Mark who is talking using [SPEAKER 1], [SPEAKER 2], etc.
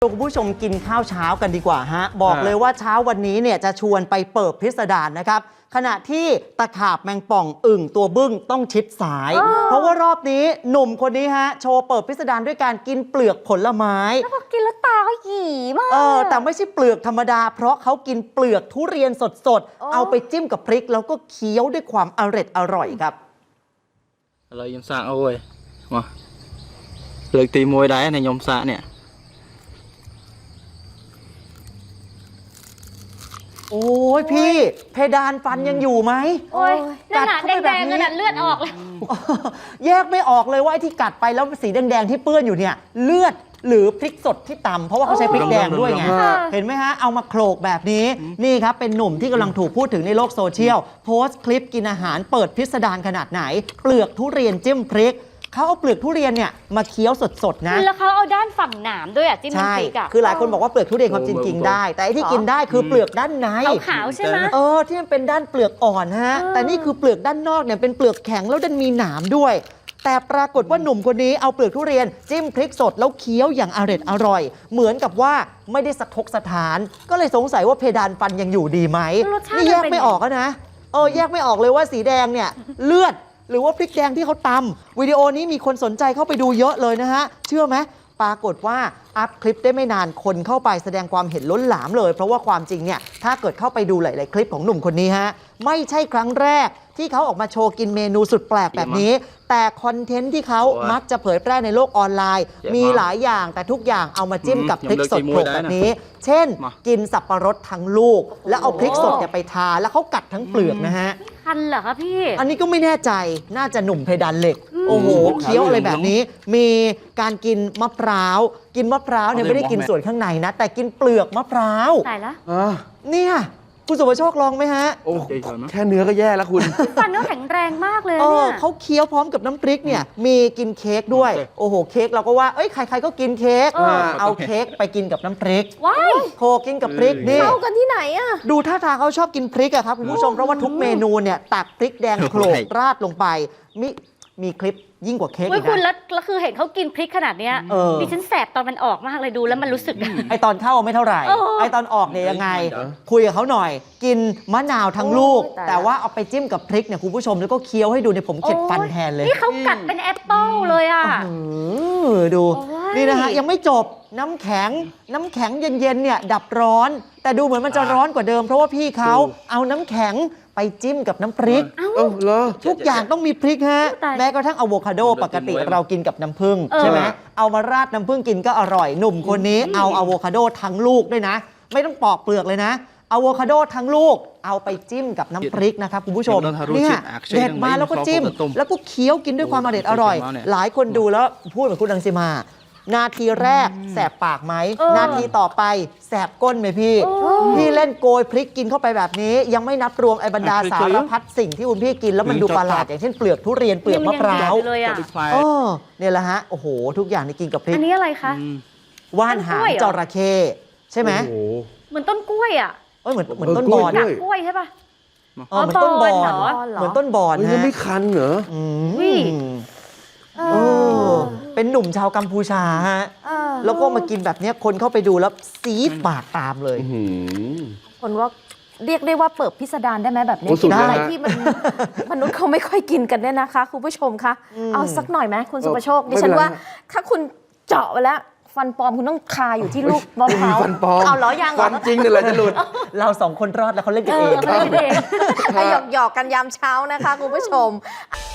[SPEAKER 1] คุณผู้ชมกินข้าวเช้ากันดีกว่าฮะบอกเลยว่าเช้าวันนี้เนี่ยจะชวนไปเปิบพิสดารนะครับขณะที่ตะขาบแมงป่องอึ่งตัวบึ้งต้องชิดสายเพราะว่ารอบนี้หนุ่มคนนี้ฮะโชว์เปิบพิสดารด้วยการกินเปลือกผลไม้
[SPEAKER 2] แล้วพอกินแล้วตาก็หยีมาก
[SPEAKER 1] แต่ไม่ใช่เปลือกธรรมดาเพราะเขากินเปลือกทุเรียนสดๆเอาไปจิ้มกับพริกแล้วก็เคี้ยวด้วยความอร่อยครับ
[SPEAKER 3] อะไรยมสะโอ้ยมาเลือกตีมวยได้ในยมสะเนี่ย
[SPEAKER 1] โอ้ยพี่เพดานฟันยังอยู่ไหม
[SPEAKER 2] โอ้ยนั่นน่ะแดงๆนั่นน่ะเลือดออกเลย
[SPEAKER 1] แยกไม่ออกเลยว่าไอ้ที่กัดไปแล้วสีแดงๆที่เปื้อนอยู่เนี่ยเลือดหรือพริกสดที่ตำเพราะว่าเขาใช้พริกแดงด้วยไงเห็นไหมฮะเอามาโขลกแบบนี้นี่ครับเป็นหนุ่มที่กำลังถูกพูดถึงในโลกโซเชียลโพสต์คลิปกินอาหารเปิดพิสดารขนาดไหนเปลือกทุเรียนจิ้มพริกเขาเอาเปลือกทุเรียนเนี่ยมาเคี้ยวสดๆนะ
[SPEAKER 2] แล้วเขาเอาด้านฝั่งหนามด้วยอ่ะจิ้มน้ำพริกอ่ะ
[SPEAKER 1] คือหลายคนบอกว่าเปลือกทุเรียนความจริงกินได้แต่ไอ้ที่กินได้คือเปลือกด้านใน
[SPEAKER 2] ขาวๆใช่ไหม
[SPEAKER 1] ที่มันเป็นด้านเปลือกอ่อนฮะแต่นี่คือเปลือกด้านนอกเนี่ยเป็นเปลือกแข็งแล้วดันมีหนามด้วยแต่ปรากฏว่าหนุ่มคนนี้เอาเปลือกทุเรียนจิ้มพริกสดแล้วเคี้ยวอย่างอร่อยเหมือนกับว่าไม่ได้สะทกสะท้านก็เลยสงสัยว่าเพดานฟันยังอยู่ดีไหมนี่แยกไม่ออกนะแยกไม่ออกเลยว่าสีแดงเนี่ยเลือดหรือว่าพริกแดงที่เขาตำวิดีโอนี้มีคนสนใจเข้าไปดูเยอะเลยนะฮะเชื่อไหมปรากฏว่าอัพคลิปได้ไม่นานคนเข้าไปแสดงความเห็นล้นหลามเลยเพราะว่าความจริงเนี่ยถ้าเกิดเข้าไปดูหลายๆคลิปของหนุ่มคนนี้ฮะไม่ใช่ครั้งแรกที่เขาออกมาโชว์กินเมนูสุดแปลกแบบนี้แต่คอนเทนต์ที่เขามักจะเผยแพร่ในโลกออนไลน์มีหลายอย่างแต่ทุกอย่างเอามาจิ้มกับพริกสดโขลกแบบนี้เช่นกินสับปะรดทั้งลูกแล้วเอาพริกสดเนี่ยไปทาแล้วเขากัดทั้งเปลือกนะฮะ
[SPEAKER 2] คันเหรอคะพี่
[SPEAKER 1] อันนี้ก็ไม่แน่ใจน่าจะหนุ่มเพดานเหล็กโอ้โหเคี้ยวอะไรแบบนี้มีการกินมะพร้าวเนี่ยไม่ได้กินส่วนข้างในนะแต่กินเปลือกมะพร้าว
[SPEAKER 2] ตายละ
[SPEAKER 1] เนี่ยคุณสุภโชคลองไหมฮะ
[SPEAKER 4] โอ้แค่เนื้อก็แย่แล้วคุณ
[SPEAKER 2] ฟันเขาแข็งแรงมากเลยเนี่ย
[SPEAKER 1] เขาเคี้ยวพร้อมกับน้ำพริกเนี่ยมีกินเค้กด้วยโอ้โหเค้กเราก็ว่าใครๆก็กินเค้กเอาเค้กไปกินกับน้ำพริกโคกินกับพริกนี่
[SPEAKER 2] เข้ากันที่ไหนอะ
[SPEAKER 1] ดูท่าทางเขาชอบกินพริกอะครับคุณผู้ชมเพราะว่าทุกเมนูเนี่ยตักพริกแดงโขลกราดลงไปมีคลิปยิ่งกว่าเค้กอีกนะ
[SPEAKER 2] คุณแล้วคือเห็นเขากินพริกขนาดเนี้ยดิฉันแสบตอนมันออกมากเลยดูแล้วมันรู้สึก
[SPEAKER 1] ไอตอนเข้าไม่เท่าไหร่ไอตอนออกเนี่ยยังไงคุยกับเขาหน่อยกินมะนาวทั้งลูกแต่ว่าเอาไปจิ้มกับพริกเนี่ยคุณผู้ชมแล้วก็เคี้ยวให้ดูเนี่ยผมเข็ดฟันแทนเลย
[SPEAKER 2] นี่เขากัดเป็นแอปเปิ้ลเลยอ่ะ
[SPEAKER 1] ดูนี่นะฮะยังไม่จบน้ำแข็งเย็นๆเนี่ยดับร้อนแต่ดูเหมือนมันจะร้อนกว่าเดิมเพราะว่าพี่เขาเอาน้ำแข็งไปจิ้มกับน้ำพริกทุกอย่างต้องมีพริกฮะแม้กระทั่งอะโวคาโดปกติเรากินกับน้ำผึ้งใช่ไหมเอามาราดน้ำผึ้งกินก็อร่อยหนุ่มคนนี้เอาอะโวคาโดทั้งลูกด้วยนะไม่ต้องปอกเปลือกเลยนะอะโวคาโดทั้งลูกเอาไปจิ้มกับน้ำพริกนะครับคุณผู้ชมเนี่ยเด็ดมาแล้วก็จิ้มแล้วก็เคี้ยวกินด้วยความอร่อยหลายคนดูแล้วพูดเหมือนคุณรังสิมานาทีแรกแสบปากไหมนาทีต่อไปแสบก้นไหมพี่เล่นโกยพริกกินเข้าไปแบบนี้ยังไม่นับรวมไอ้บรรดาสารพัดสิ่งที่คุณพี่กินแล้วมันดูประหลาดอย่างเช่นเปลือกทุเรียนเปลือกมะพร้าวเนี่ยแหละฮะโอ้โหทุกอย่างนี่กินกับพริก
[SPEAKER 2] อันนี้อะไรคะ
[SPEAKER 1] ว่านหางจระเข้ใช่ไหม
[SPEAKER 2] เหมือนต้นกล้วยอ่ะ
[SPEAKER 1] เหมือนต้นบอน
[SPEAKER 2] กล้วยใช่ป่ะ
[SPEAKER 1] เหมือนต้นบอนเหมือนต้นบอน
[SPEAKER 4] นะไม่คันเหรอ
[SPEAKER 1] เป็นหนุ่มชาวกัมพูชาฮะแล้วก็มากินแบบนี้คนเข้าไปดูแล้วซีดปากตามเลย
[SPEAKER 5] คนว่าเรียกได้ว่าเปิดพิสดารได้ไหมแบบนี้ได้ที่มนุษย์เขาไม่ค่อยกินกันเนี่ยนะคะคุณผู้ชมคะเอาสักหน่อยไหมคุณสุภโชคดิฉันว่าถ้าคุณเจาะไปแล้วฟันปลอมคุณต้องคาอยู่ที่ลูกมะพร้าว
[SPEAKER 4] ฟันปลอม
[SPEAKER 5] เอาล้อยัง
[SPEAKER 4] ฟันจริงเนี่ยแหละจะหลุด
[SPEAKER 1] เรา2 คนรอดแล้วเขาเล่นกันเอง
[SPEAKER 5] หยอกกันยามเช้านะคะคุณผู้ชม